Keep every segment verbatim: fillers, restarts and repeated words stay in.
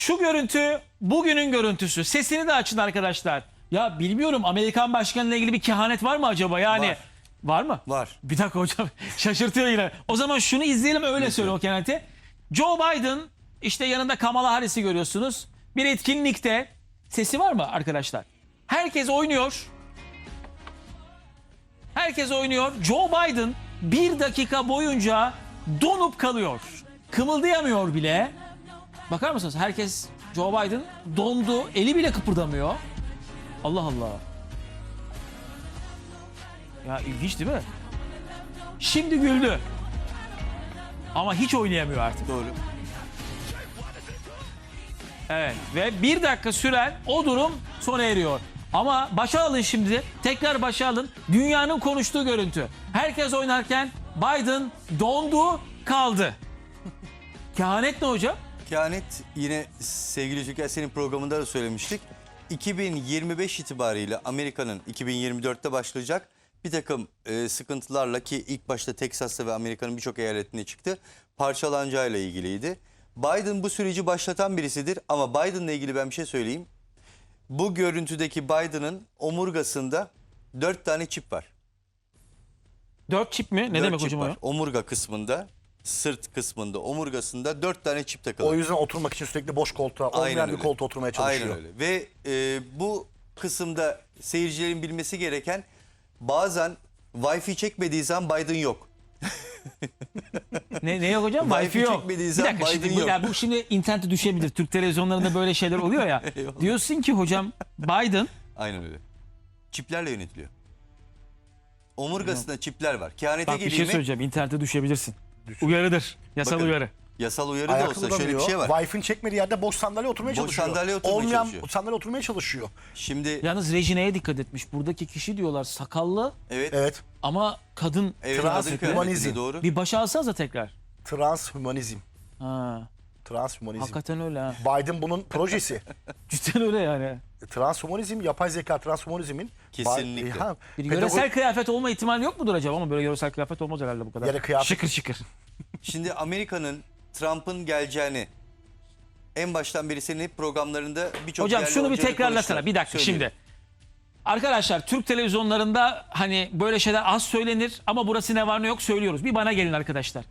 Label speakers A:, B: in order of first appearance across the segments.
A: Şu görüntü bugünün görüntüsü. Sesini de açın arkadaşlar. Ya bilmiyorum, Amerikan başkanıyla ilgili bir kehanet var mı acaba? Yani
B: Var.
A: var mı?
B: Var.
A: Bir dakika hocam, şaşırtıyor yine. O zaman şunu izleyelim, öyle söyle o kehaneti. Joe Biden, işte yanında Kamala Harris'i görüyorsunuz. Bir etkinlikte, sesi var mı arkadaşlar? Herkes oynuyor. Herkes oynuyor. Joe Biden bir dakika boyunca donup kalıyor. Kımıldayamıyor bile. Bakar mısınız? Herkes, Joe Biden dondu. Eli bile kıpırdamıyor. Allah Allah. Ya ilginç değil mi? Şimdi güldü. Ama hiç oynayamıyor artık.
B: Doğru.
A: Evet. Ve bir dakika süren o durum sona eriyor. Ama başa alın şimdi. Tekrar başa alın. Dünyanın konuştuğu görüntü. Herkes oynarken Biden dondu kaldı. Kehanet ne hocam?
B: Kehanet yine sevgili Türker, senin programında da söylemiştik. iki bin yirmi beş itibariyle Amerika'nın iki bin yirmi dörtte başlayacak bir takım e, sıkıntılarla, ki ilk başta Teksas'ta ve Amerika'nın birçok eyaletinde çıktı, parçalanacağıyla ilgiliydi. Biden bu süreci başlatan birisidir ama Biden'la ilgili ben bir şey söyleyeyim. Bu görüntüdeki Biden'ın omurgasında dört tane çip var.
A: Dört çip mi? Ne
B: Dört
A: demek
B: çip
A: hocam o
B: var.
A: ya?
B: Omurga kısmında, sırt kısmında, omurgasında dört tane çip takılı.
C: O yüzden oturmak için sürekli boş koltuğa, olmayan
B: Aynen
C: bir
B: öyle.
C: koltuğa oturmaya çalışıyor.
B: Aynen öyle. Ve e, bu kısımda seyircilerin bilmesi gereken, bazen Wi-Fi çekmediği zaman Biden yok.
A: Ne, ne yok hocam?
B: Wi-Fi
A: Wi-Fi yok.
B: çekmediği
A: Bir
B: zaman
A: dakika, şimdi
B: Biden
A: bu,
B: yok.
A: ya bu şimdi internete düşebilir. Türk televizyonlarında böyle şeyler oluyor ya.
B: Eyvallah.
A: Diyorsun ki hocam Biden
B: Aynen öyle. Çiplerle yönetiliyor. Omurgasında çipler var. Kehanete
A: bak bir
B: geleyim
A: şey
B: mi?
A: söyleyeceğim. İnternete düşebilirsin. Uyarıdır. Yasal
B: Bakın,
A: uyarı.
B: Yasal uyarı da
C: Ayakta
B: olsa şöyle bir
C: duramıyor.
B: şey var.
C: Wi-Fi'nin çekmediği yerde boş sandalye oturmaya
B: Boş
C: çalışıyor.
B: sandalye oturmaya
C: Olmayan
B: çalışıyor.
C: sandalye oturmaya çalışıyor.
B: Şimdi
A: Yalnız rejineye dikkat etmiş. Buradaki kişi diyorlar sakallı
B: evet.
C: Evet.
A: ama kadın.
B: Evet,
C: Trans
B: kadın
C: hümanizm.
B: kıyafetinde doğru.
A: Bir başa alsanıza tekrar.
C: Transhümanizm.
A: Ha,
C: Transhümanizm.
A: hakikaten öyle ha.
C: Biden bunun projesi.
A: Cidden öyle yani.
C: Transhümanizm, yapay zeka transhümanizmin.
B: Kesinlikle.
C: Ba- Ha,
A: Bir
C: pedago-
A: yöresel kıyafet olma ihtimali yok mudur acaba? Ama böyle yöresel kıyafet olmaz herhalde bu kadar.
C: Yani kıyafet-
A: Şıkır şıkır.
B: Şimdi Amerika'nın Trump'ın geleceğini en baştan beri senin hep programlarında birçok
A: Hocam
B: yerli
A: şunu bir
B: oyuncuları
A: tekrarlasana.
B: konuştular.
A: Bir dakika
B: Söyleyeyim.
A: şimdi. Arkadaşlar, Türk televizyonlarında hani böyle şeyler az söylenir ama burası ne var ne yok söylüyoruz. Bir bana gelin arkadaşlar.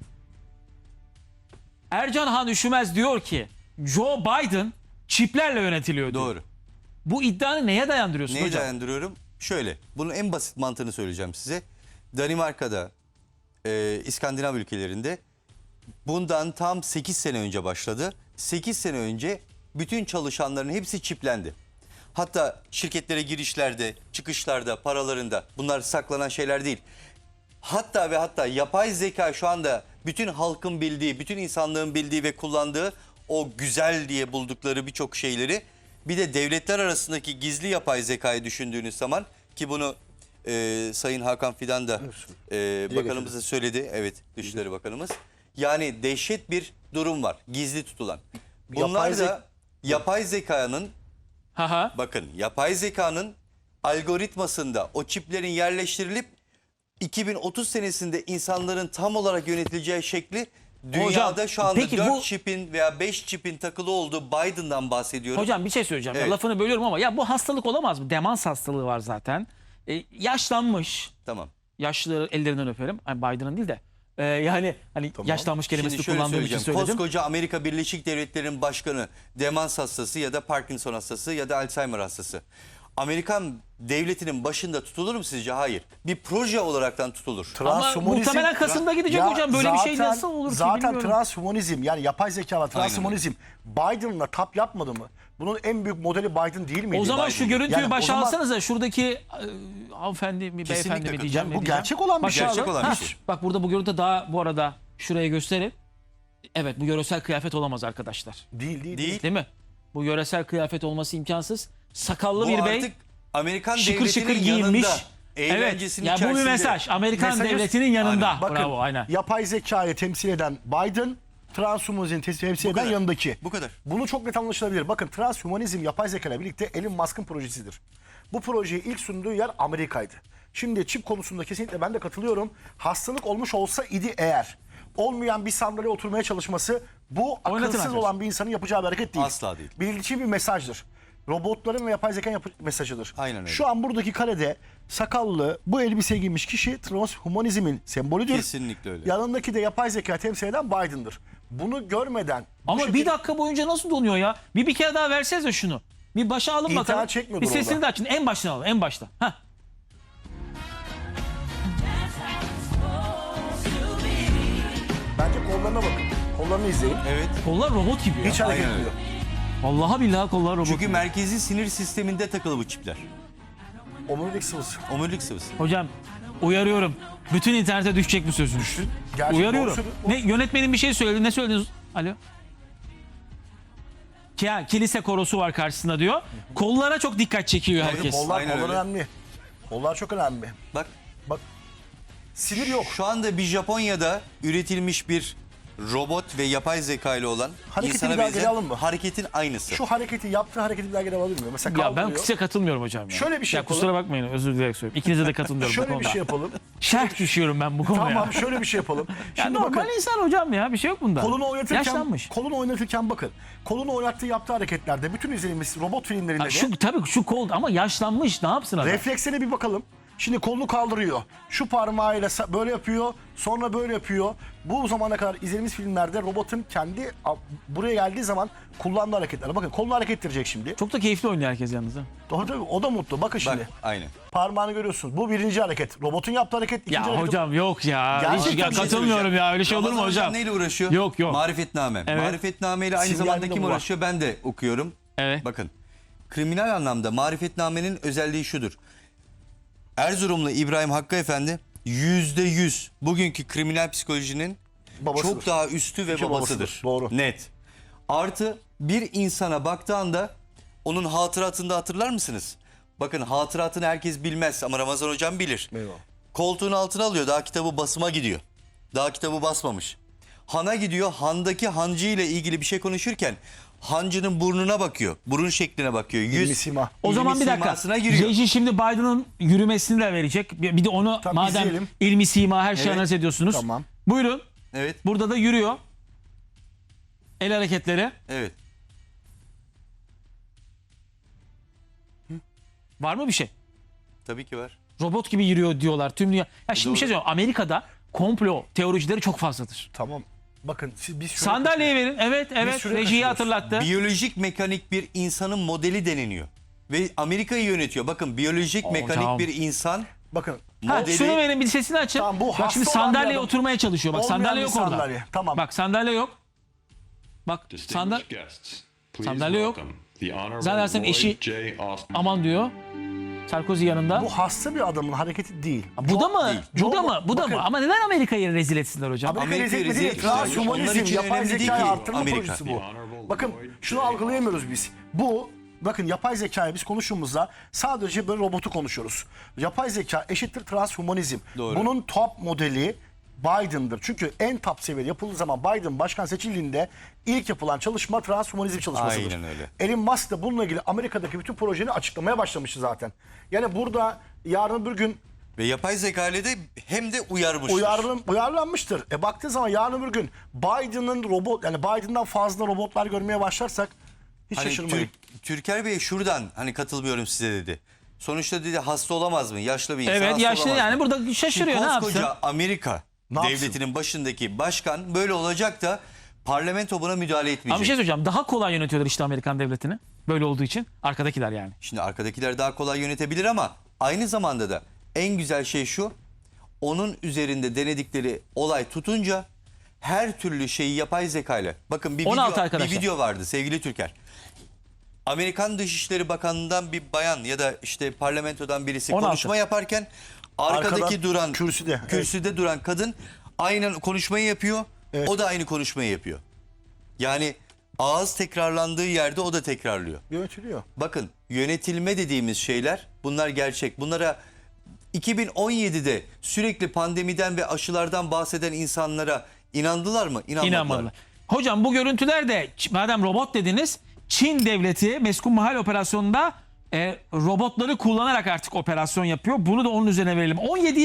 A: Ercan Han Üşümez diyor ki Joe Biden çiplerle yönetiliyor diyor.
B: Doğru.
A: Bu iddianı neye dayandırıyorsun
B: Neyi
A: hocam?
B: dayandırıyorum? Şöyle, bunun en basit mantığını söyleyeceğim size. Danimarka'da, e, İskandinav ülkelerinde bundan tam sekiz sene önce başladı. sekiz sene önce bütün çalışanların hepsi çiplendi. Hatta şirketlere girişlerde, çıkışlarda, paralarında, bunlar saklanan şeyler değil. Hatta ve hatta yapay zeka şu anda bütün halkın bildiği, bütün insanlığın bildiği ve kullandığı o güzel diye buldukları birçok şeyleri, bir de devletler arasındaki gizli yapay zekayı düşündüğünüz zaman, ki bunu e, Sayın Hakan Fidan da e, bakanımız da söyledi. Evet, Dışişleri Bakanımız. Yani dehşet bir durum var, gizli tutulan. Bunlar
C: Yapay
B: da
C: zek-
B: yapay zekanın,
A: Haha.
B: bakın yapay zekanın algoritmasında o çiplerin yerleştirilip iki bin otuz senesinde insanların tam olarak yönetileceği şekli, dünyada
A: Hocam,
B: şu anda
A: peki
B: dört
A: bu-
B: çipin veya beş çipin takılı olduğu Biden'dan bahsediyorum.
A: Hocam bir şey söyleyeceğim. Ya
B: Evet.
A: lafını bölüyorum ama ya bu hastalık olamaz mı? Demans hastalığı var zaten. E, yaşlanmış.
B: Tamam.
A: Yaşlı ellerinden öperim. Yani Biden'ın değil de. E, yani hani yaşlanmış kelimesini
B: Şimdi şöyle
A: kullandığım için
B: söyleyeceğim.
A: söyledim.
B: Koskoca Amerika Birleşik Devletleri'nin başkanı demans hastası ya da Parkinson hastası ya da Alzheimer hastası. Amerikan devletinin başında tutulur mu sizce? Hayır. Bir proje olaraktan tutulur.
A: Ama
C: Transhümanizm-
A: muhtemelen Kasım'da gidecek
C: Ya
A: hocam. Böyle bir şey
C: zaten-
A: nasıl olur ki
C: Zaten
A: bilmiyorum.
C: transhümanizm, yani yapay zeka ve transhümanizm Biden'la tap yapmadı mı? Bunun en büyük modeli Biden değil miydi?
A: O zaman
B: Biden.
A: şu görüntüyü
C: Yani
A: başa
C: o zaman-
A: alsanıza. Şuradaki e, hanımefendi mi beyefendi mi
B: Kesinlikle.
A: diyeceğim.
C: Yani
A: ne
C: bu
A: diyeceğim.
C: gerçek olan bir
A: Başa
C: şey.
B: Gerçek
A: alın.
B: olan
A: Ha,
B: bir şey.
A: Bak burada bu görüntü daha bu arada şuraya gösterin. Evet, bu yöresel kıyafet olamaz arkadaşlar.
C: Değil değil.
B: Değil.
A: Değil mi? Bu yöresel kıyafet olması imkansız. Sakallı
B: Bu
A: bir bey.
B: artık Amerikan
A: şıkır
B: devletinin
A: şıkır giyinmiş.
B: yanında.
A: Evet.
B: Eğlencesinin
A: Ya bu bir
B: içerisinde.
A: mesaj. Amerikan
C: Mesajı-
A: devletinin yanında.
B: Aynen.
C: Bakın,
A: Bravo, aynen.
C: yapay zekayı temsil eden Biden, transhümanizmi temsil eden
B: kadar.
C: yanındaki.
B: Bu kadar.
C: Bunu çok net anlaşılabilir. Bakın, transhümanizm yapay zeka ile birlikte Elon Musk'ın projesidir. Bu projeyi ilk sunduğu yer Amerika'ydı. Şimdi çip konusunda kesinlikle ben de katılıyorum. Hastalık olmuş olsa idi eğer, olmayan bir sandalyeye oturmaya çalışması bu
A: Oynatın
C: akılsız
A: arkadaşlar.
C: olan bir insanın yapacağı bir hareket değil.
B: Asla değil.
C: Bildiği bir mesajdır. Robotların ve yapay zekanın yapı- mesajıdır.
B: Aynen öyle.
C: Şu an buradaki karede sakallı bu elbise giymiş kişi transhumanizmin sembolüdür.
B: Kesinlikle öyle.
C: Yanındaki de yapay zeka temsil eden Biden'dır. Bunu görmeden bu
A: Ama
C: şekilde-
A: bir dakika boyunca nasıl donuyor ya? Bir bir kere daha versenize şunu. Bir başa alın
C: İnternet
A: bakalım.
C: çekmiyordur
A: Bir sesini
C: orada.
A: de açın. En baştan alın. En başta. Heh.
C: bence kollarına bakın. Kollarını izleyin.
B: Evet.
A: Kollar robot gibi ya.
C: Hiç hareket
B: Aynen öyle.
C: etmiyor.
A: Vallahi billahi kollar robot
B: Çünkü
A: gibi.
B: merkezi sinir sisteminde takılı bu çipler.
C: Omurilik sıvısı.
B: Omurilik sıvısı.
A: Hocam uyarıyorum. Bütün internete düşecek bu sözünüz.
C: Gerçek
A: Uyarıyorum.
C: doğru
A: Ne
C: söylüyor.
A: yönetmenin bir şey söyledi. Ne söylediniz? Alo. Ya, kilise korosu var karşısında diyor. Kollara çok dikkat çekiyor herkes.
C: Kollar,
B: Aynen
C: kollar
B: öyle.
C: önemli. Kollar çok önemli.
B: Bak
C: Bak sinir yok.
B: şu anda bir Japonya'da üretilmiş bir robot ve yapay zeka ile olan
C: Hareketi
B: insana
C: bir daha
B: benzer
C: geri alın mı?
B: hareketin aynısı.
C: Şu hareketi yaptığı hareketi bir daha geri alabilir miyim? Mesela
A: Ya ben
C: kaldırıyor.
A: size katılmıyorum hocam ya.
C: Şöyle bir şey
A: ya kusura
C: yapalım.
A: bakmayın, özür dileyerek söylüyorum. İkinize de katılmıyorum bu
C: Şöyle bir
A: konuda.
C: şey yapalım.
A: Şerh düşüyorum ben bu konuya.
C: Tamam şöyle bir şey yapalım.
A: Ya
C: Şimdi
A: normal
C: bakın
A: insan hocam ya, bir şey yok bunda.
C: kolunu oynatırken,
A: Yaşlanmış.
C: kolunu oynatırken bakın. Kolunu oynattığı yaptığı hareketlerde bütün izlediğimiz robot filmlerinde
A: Ha,
C: de
A: şu tabii şu kol ama yaşlanmış, ne yapsın adam?
C: refleksine bir bakalım. Şimdi kolunu kaldırıyor. Şu parmağıyla sa- böyle yapıyor. Sonra böyle yapıyor. Bu zamana kadar izlediğimiz filmlerde robotun kendi a- buraya geldiği zaman kullandığı hareketler. Bakın kolunu hareket ettirecek şimdi.
A: Çok da keyifli oynuyor herkes yalnız. Ha.
C: Doğru tabii o da mutlu. Bakın
B: Bak
C: şimdi.
B: aynen.
C: Parmağını görüyorsunuz. Bu birinci hareket. Robotun yaptığı hareket. ikinci
A: Ya
C: hareket.
A: hocam yok ya.
C: Gerçekten
A: Hiç, ya
C: bir şey
A: katılmıyorum ya. Öyle şey olur mu
B: Ramazan
A: hocam?
B: neyle uğraşıyor?
A: Yok, yok.
B: Marifetname.
A: Evet.
B: Marifetname ile aynı
C: Sinyalinde
B: zamanda kim
C: bu var.
B: uğraşıyor? Ben de okuyorum.
A: Evet.
B: Bakın. Kriminal anlamda marifetnamenin özelliği şudur. Erzurumlu İbrahim Hakkı Efendi yüzde yüz bugünkü kriminal psikolojinin
C: Babasıdır.
B: çok daha üstü ve
C: İki
B: babasıdır.
C: babasıdır, doğru.
B: Net. Artı bir insana baktığında onun hatıratında hatırlar mısınız? Bakın hatıratını herkes bilmez ama Ramazan hocam bilir.
C: Eyvallah.
B: Koltuğun altına alıyor, daha kitabı basıma gidiyor. Daha kitabı basmamış. Han'a gidiyor, handaki hancı ile ilgili bir şey konuşurken hancının burnuna bakıyor. Burun şekline bakıyor. Yüz,
C: İlmi sima.
A: O zaman
B: ilmi
A: bir dakika.
B: simasına giriyor.
A: Reji şimdi Biden'ın yürümesini de verecek. Bir bir de onu
C: Tabii
A: madem
C: izleyelim.
A: ilmi sima her şeyi
B: Evet.
A: analiz ediyorsunuz.
C: Tamam.
A: Buyurun.
B: Evet,
A: Burada da yürüyor. El hareketleri.
B: evet.
A: Var mı bir şey?
B: Tabii ki var.
A: Robot gibi yürüyor diyorlar tüm dünya. Ya şimdi bir şey
B: Doğru.
A: söyleyeyim. Amerika'da komplo teoricileri çok fazladır.
C: Tamam. Bakın siz, biz şöyle
A: Sandalyeyi verin. Evet, evet.
C: süre
A: Rejiyi
C: kaçırıyoruz.
A: hatırlattı.
B: Biyolojik mekanik bir insanın modeli deneniyor. Ve Amerika'yı yönetiyor. Bakın biyolojik
A: Oo,
B: mekanik
A: tamam.
B: bir insan
C: Bakın.
A: Ha,
B: modeli...
A: şunu verin, bir sesini açın.
C: Tamam, bu
A: Bak
C: hasta
A: şimdi
C: olan bir
A: sandalyeye
C: adam.
A: oturmaya çalışıyor. Bak
C: Olmayan
A: sandalye
C: bir
A: yok orada.
C: sandalye. Tamam.
A: Bak sandalye yok. Bak sandal
D: Distinguished guests, please
A: Sandalye yok.
D: welcome the Honorable
A: Zannedersem
D: Lloyd
A: eşi-
D: J. Austin.
A: aman diyor. Sarkozy yanında.
C: Bu hasta bir adamın hareketi değil.
A: Bu da mı?
B: değil.
A: Bu da
C: Çok-
A: mı? Bu da
C: bakın.
A: mı? Ama neden Amerika'yı rezil etsinler hocam?
C: Amerika
B: Amerika
C: rezil
B: rezil
C: değil.
B: etmişler. Onlar
C: Transhumanizm,
B: için
C: yapay
B: önemli değil
C: zekayı
B: ki
C: arttırma
B: Amerika.
C: projesi bu.
D: Honorable
C: Bakın
D: Lloyd
C: şunu
D: J.
C: algılayamıyoruz biz. Bu bakın yapay zekayı biz konuştuğumuzda sadece böyle robotu konuşuyoruz. Yapay zeka eşittir transhumanizm.
B: Doğru.
C: Bunun top modeli Biden'dır. Çünkü en top seviyede yapıldığı zaman Biden başkan seçildiğinde ilk yapılan çalışma transhumanizm çalışmasıdır.
B: Aynen öyle.
C: Elon Musk da bununla ilgili Amerika'daki bütün projeni açıklamaya başlamıştı zaten. Yani burada yarın bir gün
B: Ve yapay zeka ile de hem de uyarmıştır.
C: uyarlan, uyarlanmıştır. E baktığı zaman yarın bir gün Biden'ın robot yani Biden'dan fazla robotlar görmeye başlarsak hiç
B: Hani
C: şaşırmayın.
B: Tür- Türker Bey şuradan hani katılmıyorum size dedi. Sonuçta dedi hasta olamaz mı? Yaşlı bir insan
A: Evet,
B: hasta
A: yaşlı
B: olamaz
A: yani
B: mı?
A: burada şaşırıyor,
B: Şimdi
A: ne yapsın?
B: koskoca Amerika
C: Ne yapsın?
B: devletinin başındaki başkan böyle olacak da parlamento buna müdahale etmeyecek.
A: Ama bir şey söyleyeceğim. Daha kolay yönetiyorlar işte Amerikan devletini. Böyle olduğu için. Arkadakiler yani.
B: Şimdi arkadakiler daha kolay yönetebilir ama aynı zamanda da en güzel şey şu. Onun üzerinde denedikleri olay tutunca her türlü şeyi yapay zekayla. Bakın bir
A: on altı
B: video, bir
A: arkadaşlar.
B: video vardı sevgili Türker. Amerikan Dışişleri Bakanı'ndan bir bayan ya da işte parlamentodan birisi
A: on altı.
B: konuşma yaparken arkadaki
C: Arkadan,
B: duran
C: kürsüde,
B: kürsüde duran kadın aynen konuşmayı yapıyor.
C: Evet.
B: O da aynı konuşmayı yapıyor. Yani ağız tekrarlandığı yerde o da tekrarlıyor.
C: Yönetiliyor.
B: Bakın yönetilme dediğimiz şeyler bunlar gerçek. Bunlara iki bin on yedide sürekli pandemiden ve aşılardan bahseden insanlara inandılar mı? İnanmadılar.
A: İnanmadılar. Hocam bu görüntüler de madem robot dediniz, Çin devleti Meskun Mahal operasyonunda e, robotları kullanarak artık operasyon yapıyor. Bunu da onun üzerine verelim. on yedi